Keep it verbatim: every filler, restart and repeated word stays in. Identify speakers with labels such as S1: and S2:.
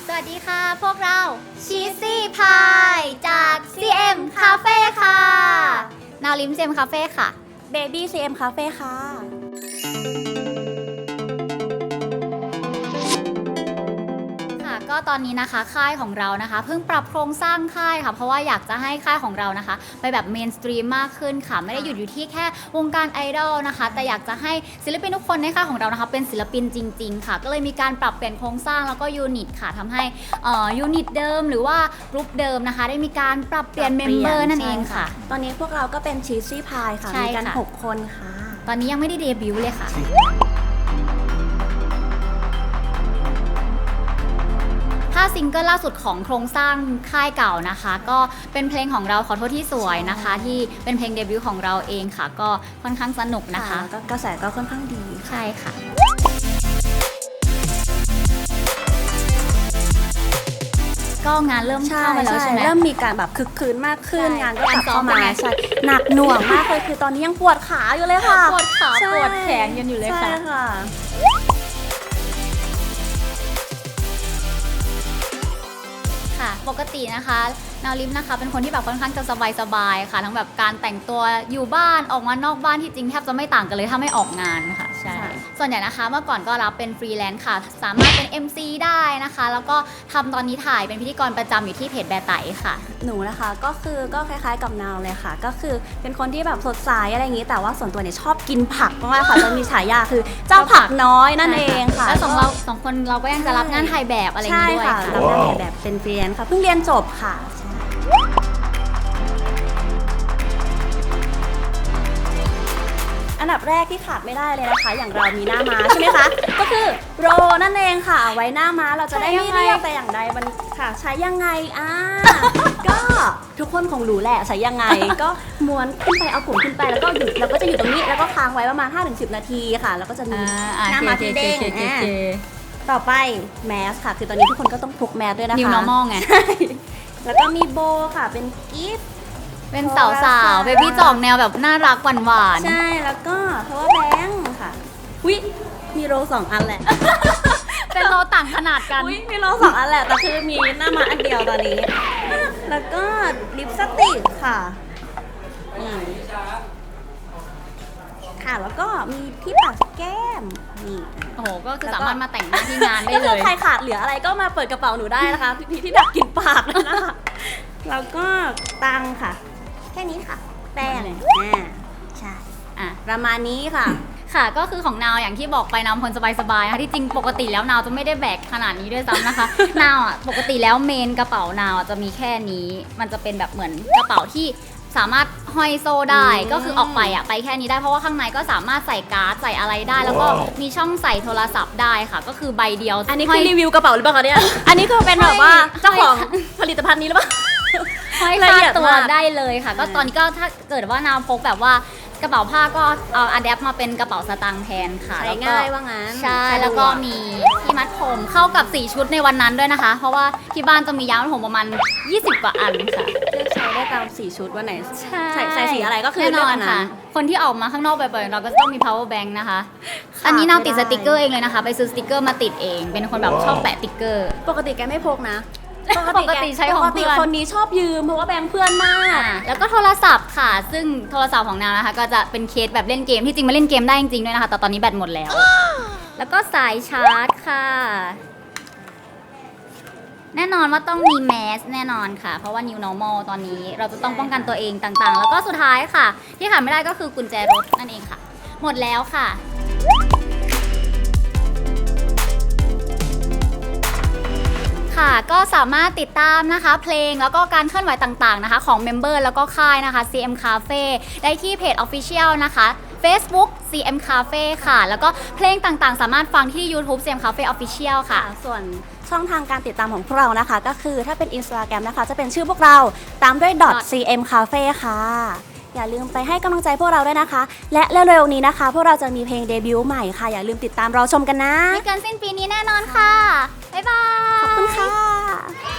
S1: สวัสดีค่ะพวกเราชีสซี่พายจาก ซี เอ็ม Cafe ค่ะนาวลิม ซี เอ็ม Cafe ค่ะ
S2: Baby ซี เอ็ม Cafe ค่ะ
S1: ก็ตอนนี้นะคะค่ายของเรานะคะเพิ่งปรับโครงสร้างค่ายค่ะเพราะว่าอยากจะให้ค่ายของเรานะคะไปแบบเมนสตรีมมากขึ้นค่ะไม่ได้หยุดอยู่ที่แค่วงการไอดอลนะคะแต่อยากจะให้ศิลปินทุกคนในค่ายของเรานะคะเป็นศิลปินจริงๆค่ะก็เลยมีการปรับเปลี่ยนโครงสร้างแล้วก็ยูนิตค่ะทำให้ยูนิตเดิมหรือว่ากรุ๊ปเดิมนะคะได้มีการปรับเปลี่ยนเมมเบอร์นั่นเองค่ะ
S2: ตอนนี้พวกเราก็เป็นชีสซี่พายค่ะมีกันหกคนค่ะ
S1: ตอนนี้ยังไม่ได้เดบิวต์เลยค่ะถ้าซิงเกิลล่าสุดของโครงสร้างค่ายเก่านะคะก็เป็นเพลงของเราขอโทษที่สวยนะคะที่เป็นเพลงเดบิวต์ของเราเองค่ะก็ค่อนข้างสนุกนะคะ
S2: ก็กระแสก็ค่อนข้างดี
S1: ใช่ค่ะก็งานเริ่มเข้ามาแล้วใช่ไหม
S2: เริ่มมีการแบบคึกคืนมากขึ้นงานก็กลับเข้ามาใช่หนักหน่วงมากเลยคือตอนนี้ยังปวดขาอยู่เลยค่ะ
S1: ปวดขาปวดแขนกันอยู่เลยค่ะค่ะปกตินะคะนาวลิมนะคะเป็นคนที่แบบค่อนข้างจะสบายๆค่ะทั้งแบบการแต่งตัวอยู่บ้านออกมานอกบ้านที่จริงแทบจะไม่ต่างกันเลยถ้าไม่ออกงานค่ะใช่ส่วนใหญ่นะคะเมื่อก่อนก็รับเป็นฟรีแลนซ์ค่ะสามารถเป็น เอ็ม ซี ได้นะคะแล้วก็ทำตอนนี้ถ่ายเป็นพิธีกรประจำอยู่ที่เพจแบร์ไตค่ะ
S2: หนูนะคะก็คือก็คล้ายๆกับนาวเลยค่ะก็คือเป็นคนที่แบบสดใสอะไรอย่างนี้แต่ว่าส่วนตัวเนี่ยชอบกินผักมากๆค่ะจะมีฉายาคือเจ้าผักน้อยนั่นเองค่ะ
S1: แล้วสองเราสองคนเราก็ยังจะรับงานถ่ายแบบอะไรอย่างนี้ด้วยค่ะ
S2: รับงานถ่ายแบบเป็นฟรีแลนซ์ค่ะเพิ่งเรียนจบค่ะอันดับแรกที่ขาดไม่ได้เลยนะคะอย่างเรามีหน้าม้าใช่ไหมคะก็คือโรนั่นเองค่ะไว้หน้าม้าเราจะได้ไม่เรียกแต่อย่างใดมันค่ะใช้ยังไงอ่าก็ทุกคนคงรู้แหละใช้ยังไงก็ม้วนขึ้นไปเอาผมขึ้นไปแล้วก็หยุดแล้วก็จะอยู่ตรงนี้แล้วก็ค้างไว้ประมาณ ห้าถึงสิบ นาทีค่ะแล้วก็จะมีหน้าม้าที่เด้งต่อไปแมสค่ะคือตอนนี้ทุกคนก็ต้องพกแมสด้วยนะคะ
S1: New Normal ไง
S2: แล้วก็มีโบค่ะเป็นกิฟต์
S1: เป็นสาวสาวเบบี้จ่องแนวแบบน่ารักหวานหวาน
S2: ใช่แล้วก็เพราะว่าแบงค์ค่ะวิมีโรสองอันแหละ
S1: เป็นโรต่างขนาดกัน
S2: วิมีโรสองอันแหละแต่คือมีหน้ามาอันเดียวตอนนี้แล้วก็ลิปสติกค่ะค่ะแล้วก็มีที่ปัดแก้มนี่
S1: โอ้โหก็คือสามารถมาแต่งหน้าที่งานได้เลย
S2: ใครขาดเหลืออะไรก็มาเปิดกระเป๋าหนูได้นะคะพี่ที่ดักกินปากนะคะแล้วก็ตังค่ะแค่นี้ค่ะแป้งอ่าใช่อ่ะประมาณนี้ค่ะ
S1: ค่ะก็คือของนาวอย่างที่บอกไปนาวคนสบายๆค่ะที่จริงปกติแล้วนาวจะไม่ได้แบกขนาดนี้ด้วยซ้ำนะคะนาวอ่ะปกติแล้วเมนกระเป๋านาวจะมีแค่นี้มันจะเป็นแบบเหมือนกระเป๋าที่สามารถห้อยโซ่ได้ก็คือออกไปอ่ะไปแค่นี้ได้เพราะว่าข้างในก็สามารถใส่การ์ดใส่อะไรได้แล้วก็มีช่องใส่โทรศัพท์ได้ค่ะก็คือใบเดียว
S2: อันนี้คือรีวิวกระเป๋าหรือเปล่าคะเนี่ยอันนี้คือเป็นแบบว่าเจ้าของผลิตภัณฑ์นี้หรือเปล่า
S1: ห้อยคาตัวได้เลยค่ะก็ตอนนี้ก็ถ้าเกิดว่านาวพกแบบว่ากระเป๋าผ้าก็เอาอะแดปมาเป็นกระเป๋าสตางค์แทนค่ะ
S2: ใช้ง่ายว่างั้น
S1: ใช่แล้วก็มีที่มัดผมเข้ากับสีชุดในวันนั้นด้วยนะคะเพราะว่าที่บ้านจะมียางมัดผมประมาณยี่สิบกว่าอันค่ะ
S2: เลือกใช้ได้ตามสีชุดวันไหน
S1: ใช่
S2: ใส่สีอะไรก็คือ
S1: แน่นอนค่ะคนที่ออกมาข้างนอกบ่อยๆเราก็ต้องมี power bank นะคะอันนี้นาวติดสติกเกอร์เองเลยนะคะไปซื้อสติกเกอร์มาติดเองเป็นคนแบบชอบแปะสติกเกอร์
S2: ปกติแกไม่พกนะ
S1: ปกติใช้ของเพื่อน
S2: คนนี้ชอบยืมเพราะว่าแบงค์เพื่อนมาก
S1: แล้วก็โทรศัพท์ค่ะซึ่งโทรศัพท์ของนาวนะคะก็จะเป็นเคสแบบเล่นเกมที่จริงมาเล่นเกมได้จริงๆด้วยนะคะแต่ตอนนี้แบตหมดแล้วแล้วก็สายชาร์จค่ะแน่นอนว่าต้องมีแมสแน่นอนค่ะเพราะว่า New Normal ตอนนี้เราจะต้องป้องกันตัวเองต่างๆแล้วก็สุดท้ายค่ะที่ขาดไม่ได้ก็คือกุญแจรถนั่นเองค่ะหมดแล้วค่ะค่ะก็สามารถติดตามนะคะเพลงแล้วก็การเคลื่อนไหวต่างๆนะคะของเมมเบอร์แล้วก็ค่ายนะคะ ซี เอ็ม Cafe ได้ที่เพจ Official นะคะ Facebook ซี เอ็ม Cafe ค่ะแล้วก็เพลงต่างๆสามารถฟังที่ YouTube ซี เอ็ม Cafe Official ค่ะ
S2: ส่วนช่องทางการติดตามของพวกเรานะคะก็คือถ้าเป็น Instagram นะคะจะเป็นชื่อพวกเราตามด้วย ซี เอ็ม Cafe ค่ะอย่าลืมไปให้กำลังใจพวกเราด้วยนะคะและเร็วๆนี้นะคะพวกเราจะมีเพลงเดบิวต์ใหม่ค่ะอย่าลืมติดตามรอชมกันนะ
S1: ไม่เกินสิ้นปีนี้แน่นอนค่ะบ๊ายบาย
S2: ขอบคุณค่ะ